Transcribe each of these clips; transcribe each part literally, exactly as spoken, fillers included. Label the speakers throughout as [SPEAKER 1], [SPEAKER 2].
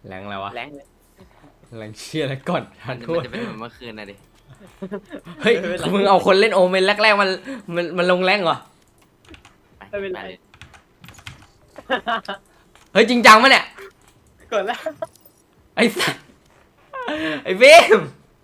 [SPEAKER 1] แรงอะไรวะ
[SPEAKER 2] แรงเลย
[SPEAKER 1] แรงเชียร์อะไรก่อนทันโท
[SPEAKER 3] มัน
[SPEAKER 1] ษ
[SPEAKER 3] จะเป็นเหมือนเมื่อคืนนะดิ
[SPEAKER 1] เฮ้ยมึงเอาคนเล่นโอเมนแรกๆมันมันมันลงแรงเหรอ
[SPEAKER 3] ไปไปเลย
[SPEAKER 1] เฮ้ยจริงจังมั้ยเนี่ย
[SPEAKER 2] กดแล้ว
[SPEAKER 1] ไอ้สัสไอ้เบม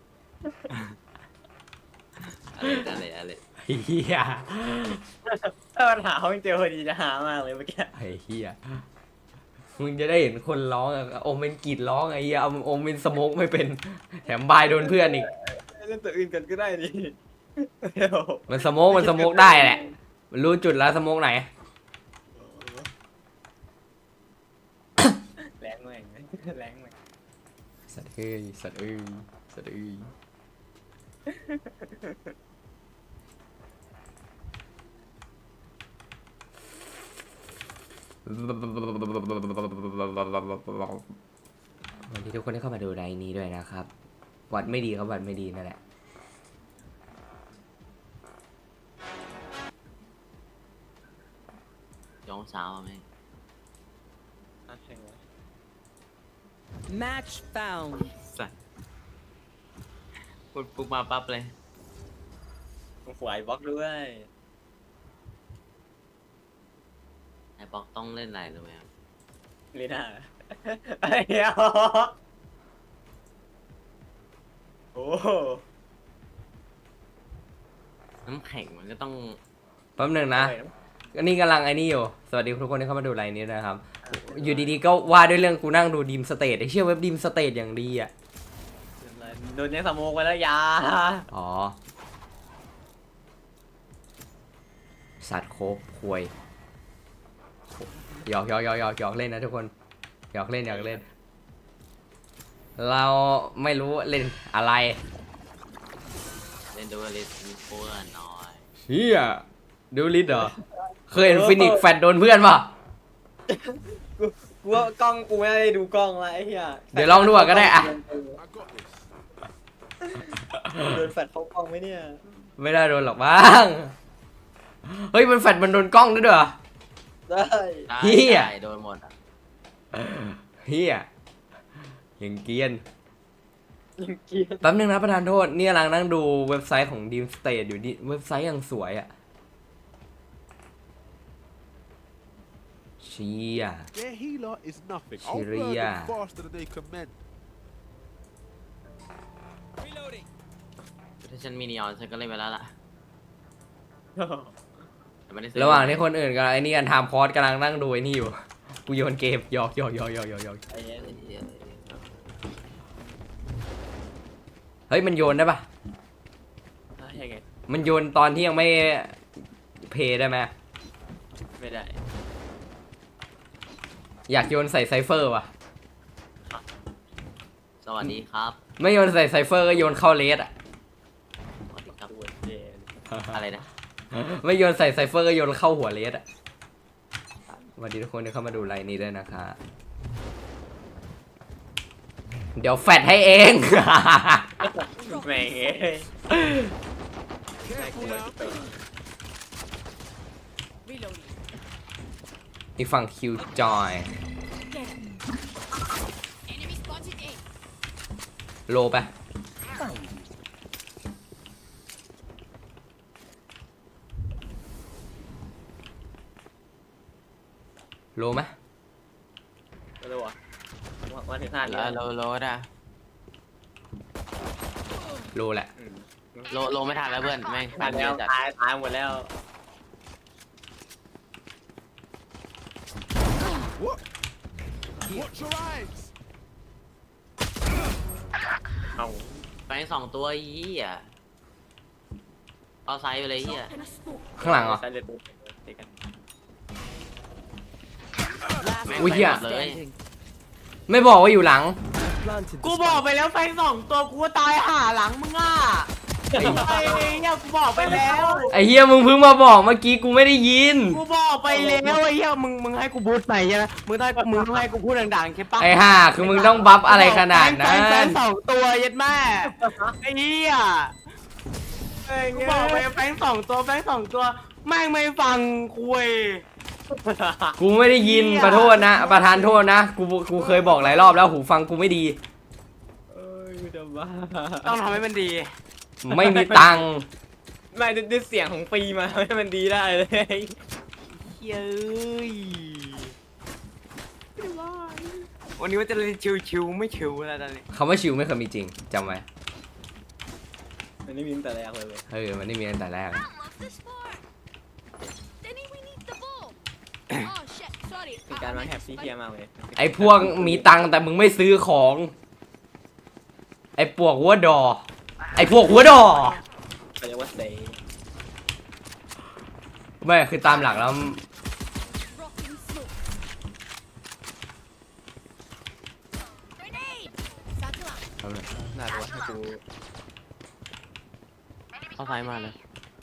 [SPEAKER 3] อะไรอะไรอะไร
[SPEAKER 1] ไอ้เหี้ย
[SPEAKER 2] ถ้ามันหาเขาไม่เจอพอดีจะหามากเลยเมื่อกี้
[SPEAKER 1] ไอ้เหี้ยมึงจะได้เห็นคนร้องอะโอเมนกรีดร้องไอ้เหี้ยเอาโอเมนสโมกไม่เป็นแถมบายโดนเพื่อนอีก
[SPEAKER 2] เล่นตัวอื่นกันก็ได้ดิ
[SPEAKER 1] มันสโมกมันสโมกได้แหละมันรู้จุดแล้วสโมกไหน
[SPEAKER 2] แรงแม่งแรงแม่ง
[SPEAKER 1] สัตว์เอ้ยสัตว์เอ้ยสัตว์เอ้ยวันนี้ทุกคนได้เข้ามาดูไลน์นี้ด้วยนะครับวัดไม่ดีครับวัดไม่ดีนั่นแหละ
[SPEAKER 3] ย้องสาวไหม
[SPEAKER 4] Match found.
[SPEAKER 3] สัตว์พูดปุ๊บมาปั๊บเลย
[SPEAKER 2] ขวายบล็อกด้วย
[SPEAKER 3] ไอ้บอกต้องเล่นอะไรรู้ไหมครับ
[SPEAKER 2] ลีน่าไอ้เหี้ยโอ้
[SPEAKER 3] น้ำแข็งมันก็ต้อง
[SPEAKER 1] แป๊บหนึงนะอันนี้กำลังไอ้นี่อยู่สวัสดีทุกคนที่เข้ามาดูไลน์นี้นะครับ อยู่ดีๆก็ว่าด้วยเรื่องกูนั่งดูดีมสเตทไอ้เชี่ยเว็บดีมสเตทอย่างดีอ่ะ
[SPEAKER 2] โดนยังสโมกไปแล้วยา
[SPEAKER 1] อ๋อสัตว์โคบควยหยอกหยอกหยอกหยอกหยอกเล่นนะทุกคนหยอกเล่นหยอกเล่น เราไม่รู้เล่นอะไร
[SPEAKER 3] เล่นดูลิสต์เพื่อนหน่อย
[SPEAKER 1] เฮียดูลิสเหรอเคยเห็นฟินิกแฟดโดนเพื่อนป่ะ
[SPEAKER 2] กูกูว่ากล้องกูไม่ได้ดูกล้องละไอ้เหี้ย
[SPEAKER 1] เดี๋ยวลองดูก่อนก็ได้อะ
[SPEAKER 2] โดนแฟดเข้ากล้องไหมเนี่ย
[SPEAKER 1] ไม่ได้โดนหรอกบ้าง เฮ้ยมันแฟดมันโดนกล้องด้วยเหรอ
[SPEAKER 2] ได้
[SPEAKER 3] ได้
[SPEAKER 1] เหี้ย
[SPEAKER 3] ได้โดนหมดอะ
[SPEAKER 1] เฮียยังเกรียน
[SPEAKER 2] ยังเกลียด
[SPEAKER 1] แป๊บนึงนะประธานโทษนี่กำลังนั่งดูเว็บไซต์ของ Dream State อยู่ดิเว็บไซต์ยังสวยอ่ะเชีย
[SPEAKER 5] Their healer is nothing. I'll burn
[SPEAKER 1] Syria.
[SPEAKER 5] them faster than they can mend.
[SPEAKER 3] ถ้าฉันมีนีออนฉันก็เล่นไปแล้วล่ะแต่ไม่ได้ซื้อ
[SPEAKER 1] ระหว่างที่คนอื่นกำลังไอ้นี่กันทำคอร์สกำลังนั่งดูไอ้นี่อยู่กูโยนเกมหยอกหยอกหยอกหยอกหยอกหยอก
[SPEAKER 2] ไอ้เหี้ย
[SPEAKER 3] เหี้ย
[SPEAKER 1] เฮ้ยมันโยนได้ปะ
[SPEAKER 2] ยังไง
[SPEAKER 1] มันโยนตอนที่ยังไม่เพย์ได้ไหม
[SPEAKER 2] ไม่ได้
[SPEAKER 1] อยากโยนใส่ไซเฟอร์ว่ะ
[SPEAKER 3] สวัสดีครับ
[SPEAKER 1] ไม่โยนใส่ไซเฟอร์ก็โยนเข้าเลสอ่ะ
[SPEAKER 3] สวัสดีครับ
[SPEAKER 2] ตัวเจน
[SPEAKER 3] อะไรนะ
[SPEAKER 1] ไม่โยนใส่ไซเฟอร์ก็โยนเข้าหัวเลสอ่ะสวัสดีทุกคนที่เข้ามาดูไลน์นี้ด้วยนะคะเดี๋ยวแฟดให้เอง
[SPEAKER 2] แม่งเอ้ย
[SPEAKER 5] Careful now.
[SPEAKER 4] Reloading.
[SPEAKER 1] อีกฝั่งคิวจอย
[SPEAKER 4] Enemy spotted A.
[SPEAKER 1] โลไปโลไหม
[SPEAKER 2] ไม่รู้อ่ะมาถึงห้า
[SPEAKER 3] โล
[SPEAKER 2] แล้ว
[SPEAKER 3] โลโลได้
[SPEAKER 1] โลแหละ
[SPEAKER 3] โลโลไม่ทันแล้วเพื่อนแม่ง
[SPEAKER 2] ตาย
[SPEAKER 3] เย
[SPEAKER 2] แล้ว
[SPEAKER 3] อะจัด
[SPEAKER 2] ตายตายหมดแล้ว
[SPEAKER 5] What? Watch your eyes.
[SPEAKER 2] เอา
[SPEAKER 3] แฟงสองตัวเหี้ยเอาไซส์ไปเลยเหี้ย
[SPEAKER 1] ข้างหลังเหรอ
[SPEAKER 2] ใส่เลยปุ๊บเตะกัน
[SPEAKER 4] Last
[SPEAKER 3] แม่ง
[SPEAKER 1] อุ้ย
[SPEAKER 3] ไป
[SPEAKER 1] เหี้ย
[SPEAKER 3] หมดเลย
[SPEAKER 4] standing.
[SPEAKER 1] ไม่บอกว่าอยู่หลัง
[SPEAKER 3] กูบอกไปแล้วแฟงสองตัวกูตายห่าหลังมึงอ่ะไอ้เนี่ยกูบอกไปแล้ว
[SPEAKER 1] ไอ้เฮียมึงเพิ่งมาบอกเมื่อกี้กูไม่ได้ยิน
[SPEAKER 3] กูบอกไปแล้วไอ้เหี้ยมึงมึงให้กูพูดไปใช่ไหมมึงต้องมึงต้องให้กูพูดดังๆใช่ปะ
[SPEAKER 1] ไอ้ห่าคือมึงต้องบัฟอะไรขนาดนั้
[SPEAKER 3] แฟ
[SPEAKER 1] น
[SPEAKER 3] แฟนสองตัวยัดแม่ไอ้เหี้ยกูบอกไปแฟงสองตัวแฟงสองตัวแม่งไม่ฟังคุย
[SPEAKER 1] กูไม่ได้ยินประโทษนะ ประธานโทษนะ กู กูเคยบอกหลายรอบแล้วหูฟังกูไม่ดี
[SPEAKER 2] เอ้ยกูจะบ้า
[SPEAKER 3] ต้องทำให้มันดี
[SPEAKER 1] ไม่มีตังค์
[SPEAKER 2] ไม่ด้วยเสียงของปีมาทำให้มันดีได้เลย
[SPEAKER 3] เย้ยวันนี้ว่าจะเล่นชิวๆไม่ชิวแล้วตอนนี้
[SPEAKER 1] คำว่าชิวไม่เคยมีจริงจำไว้
[SPEAKER 2] มันไม่มีตั้งแต่แรกเลยเว้ย
[SPEAKER 1] เออ มันไม่มีตั้งแต่แรก
[SPEAKER 4] I love the sport. Denny, we need the ball. Oh shit, sorry.
[SPEAKER 2] เป็น
[SPEAKER 4] I-
[SPEAKER 2] การ
[SPEAKER 4] I
[SPEAKER 2] วาง
[SPEAKER 4] meant
[SPEAKER 2] แถบ
[SPEAKER 4] to
[SPEAKER 2] ที่
[SPEAKER 4] spike.
[SPEAKER 2] เฮี้ยมากเลย
[SPEAKER 1] ไอ้พวกมีตังค์แต่มึงไม่ซื้อของ ไอ้พวกหัวดอ ไอ้พวกหัวดอ
[SPEAKER 2] เขาเรียกว่าเซ
[SPEAKER 1] ไม่คือตามหลักแล้ว
[SPEAKER 4] Rocking smoke. Grenade. Satchel out.
[SPEAKER 2] น่าจะว่าให้กู
[SPEAKER 3] เข้าซ้ายมาเลย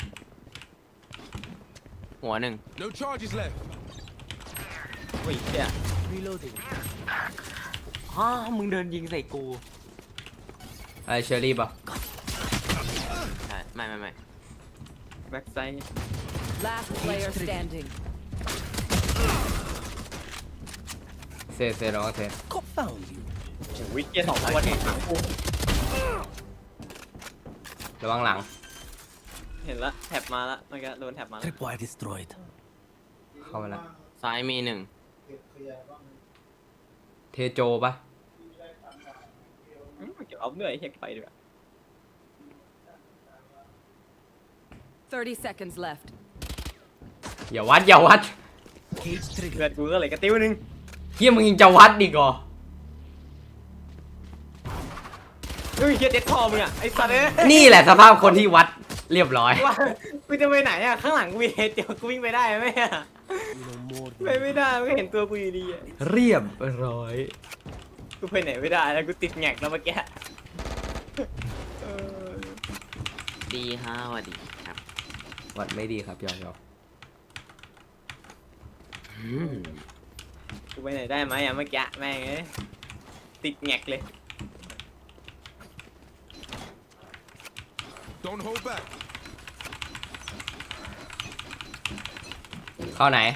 [SPEAKER 3] หัวหนึ่ง
[SPEAKER 5] No charges left.
[SPEAKER 2] อุ้ยเฮี้ย
[SPEAKER 5] Reloading.
[SPEAKER 3] ฮ่ามึงเดินยิงใส่กู
[SPEAKER 1] ไอ้เชอรี่ป่ะ
[SPEAKER 3] ใช่ไม่ไม่ไม่
[SPEAKER 2] แบ็กไซด์
[SPEAKER 4] Last player standing.
[SPEAKER 1] เซเซน้องเซ
[SPEAKER 2] วิกเกียร์สองตัวเนี่ย
[SPEAKER 1] ระวังหลัง
[SPEAKER 2] เห็นละแท็บมาละเมื่อกี้โดนแท็บมาละ
[SPEAKER 6] Tripwire destroyed.
[SPEAKER 1] เข้ามาแล้ว
[SPEAKER 3] ซ้ายมีหนึ่ง
[SPEAKER 1] เทโจป่ะ
[SPEAKER 2] อืมเก็บเอาเหนื่อยเฮี้ยไปดีกว่า
[SPEAKER 4] Thirty seconds left.
[SPEAKER 1] อย่าวัดอย่าวัด
[SPEAKER 6] Cage
[SPEAKER 2] เลื
[SPEAKER 6] trigger.
[SPEAKER 2] อดกูก็เลยกระติ้วนึง
[SPEAKER 1] เฮียมึงยังจะวัดอีกเหรอ
[SPEAKER 2] เฮ้ยเฮี้ยเด็ดคอมึงอ่ะไอ้สัตว์เอ้ย
[SPEAKER 1] นี่แหละสภาพคนที่วัดเรียบร้อย
[SPEAKER 2] ว่ากูจะไปไหนอ่ะข้างหลังกูมีเฮดเดียวกูวิ่งไปได้ไหมอ่ะ
[SPEAKER 6] You know more
[SPEAKER 2] ไป
[SPEAKER 6] than
[SPEAKER 2] ไม่ได้มันก็เห็นตัวกูอยู่ดีอ่ะ
[SPEAKER 1] เรียบร้อย
[SPEAKER 2] กูไปไหนไม่ได้แล้วกูติดแงกแล้วเมื่อกี้เออ
[SPEAKER 3] ดีห้าวัสดีครับ
[SPEAKER 1] วัดไม่ดีครับยอมยอม
[SPEAKER 3] อืม
[SPEAKER 2] กูไปไหนได้ไหมอ่ะเมื่อกี้แม่งเอ้ยติดแงกเลย
[SPEAKER 5] Don't hold back.
[SPEAKER 1] เข้าไหน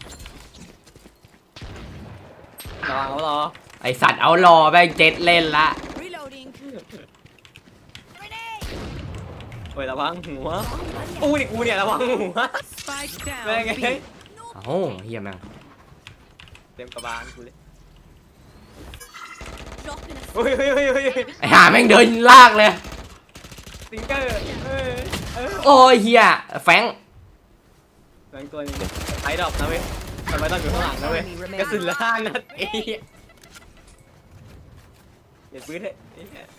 [SPEAKER 2] ระวังเขารอ
[SPEAKER 1] ไอสัตว์เอารอแม่งเจ็ดเล่นละ
[SPEAKER 4] Reloading. Grenade.
[SPEAKER 2] โอ้ยระวังหัวกูนี่กูเนี่ยระวังหัว
[SPEAKER 4] Spike
[SPEAKER 2] แม่ง
[SPEAKER 4] down.
[SPEAKER 2] เอ้ย
[SPEAKER 1] เอ้าเฮียแม่ง
[SPEAKER 2] เต็มกระบาลกูเลย
[SPEAKER 4] Dropping a
[SPEAKER 2] เฮ้ยเฮ้ยเฮ้ยเฮ้ย
[SPEAKER 1] ไอห่าแม่งเดินลากเลย
[SPEAKER 2] สิงเกอร์เอ้ยเอ้ย
[SPEAKER 1] โอ้ยเฮียแฟง
[SPEAKER 2] แม่งตัวนี้ไอ้ดอกนะเว้ยทำไมต้องอยู่ข้างหลังนะเว้ยกระสุนละห้านัดเอ้ยเดี๋ยวปืนเถอะไอ้เหี้ย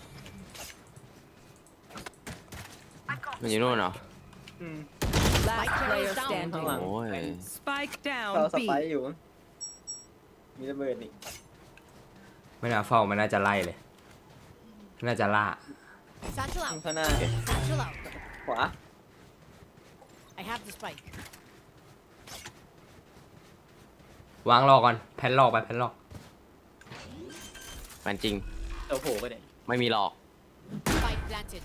[SPEAKER 3] มันอยู่นู่นเหรอ
[SPEAKER 2] อืม
[SPEAKER 4] last player
[SPEAKER 2] ข้าง
[SPEAKER 4] standing.
[SPEAKER 2] หลัง
[SPEAKER 3] โอ้ย
[SPEAKER 4] Spike
[SPEAKER 2] เรา
[SPEAKER 4] down.
[SPEAKER 2] ส
[SPEAKER 4] B.
[SPEAKER 2] ไปร์อยู่ มีระเบิดนี่
[SPEAKER 1] ไม่น่าเฝ้ามันน่าจะไล่เลย น่าจะล่า
[SPEAKER 4] Satchel
[SPEAKER 2] ข้าง
[SPEAKER 4] out.
[SPEAKER 2] ข้างหน้า
[SPEAKER 4] Satchel out.
[SPEAKER 2] ขวา
[SPEAKER 4] I have the spike.
[SPEAKER 1] วางรอก่อนแผ่นรอกไปแผ่นรอก
[SPEAKER 3] มันจริง
[SPEAKER 2] ตัวโผล่ไปไหน
[SPEAKER 3] ไม่มีหลอก
[SPEAKER 4] Spike planted.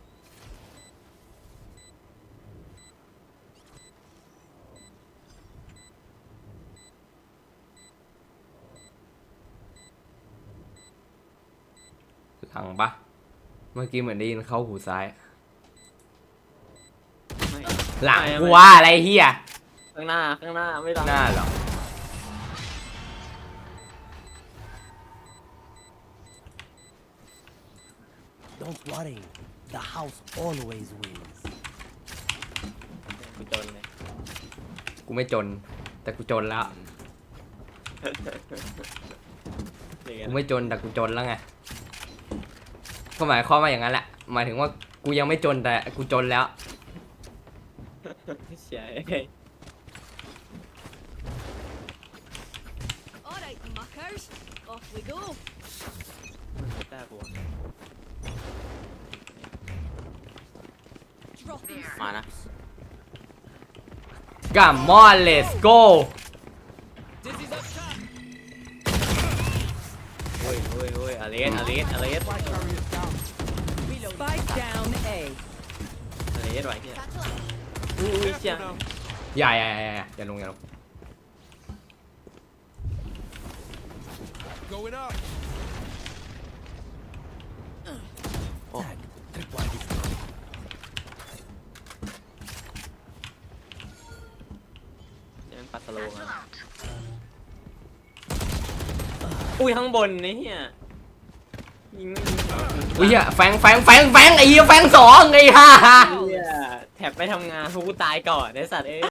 [SPEAKER 1] หลังปะเมื่อกี้เหมือนได้ยินเข้าหูซ้าย
[SPEAKER 2] ไม่
[SPEAKER 1] หลัง
[SPEAKER 2] ไม่
[SPEAKER 1] กู
[SPEAKER 2] ไม่
[SPEAKER 1] ว่าอะไรเฮีย
[SPEAKER 2] ข้างหน้าข้างหน้าไม่ต้อง
[SPEAKER 1] หน้าเหรอ
[SPEAKER 6] Don't worry. The house always wins.
[SPEAKER 2] กูจนเลย
[SPEAKER 1] กูไม่จน แต่กูจนแล้ว
[SPEAKER 2] เดี๋ยว
[SPEAKER 1] กูไม่จนแต่กูจนแล้วไง ก็หมายความว่าอย่างนั้นแหละ หมายถึงว่ากูยังไม่จนแต่กูจนแล้ว
[SPEAKER 2] เสีย
[SPEAKER 4] Alright, muckers. Off we go.
[SPEAKER 2] ตาบัว
[SPEAKER 4] Dropping
[SPEAKER 3] มานะ
[SPEAKER 1] Come on let's go
[SPEAKER 2] โอ้ยโอ้ยโอ้ยอเลสอเลสอเลส
[SPEAKER 4] Spike down A.
[SPEAKER 2] อเลสไหวเนี่ย
[SPEAKER 4] Satchel out.
[SPEAKER 2] อุ้ยเชี่ย
[SPEAKER 5] Careful now.
[SPEAKER 1] อย่าอย่าอย่าอย่าอย่าลงอย่าลง
[SPEAKER 5] going up.
[SPEAKER 6] Tag. Tripwire destroyed.
[SPEAKER 2] เดี๋ยวมันปัดสโลว์มาอุ้ยข้างบนนี่เฮียยิงไม่ยิง
[SPEAKER 1] อุ้ยอะแฟงแฟงแฟงแฟงไอ้เหี้ยแฟงสองไอ้ห่า
[SPEAKER 2] เฮียแท็บไม่ทำงานพวกกูตายก่อนไอ้สัตว์เอ้ย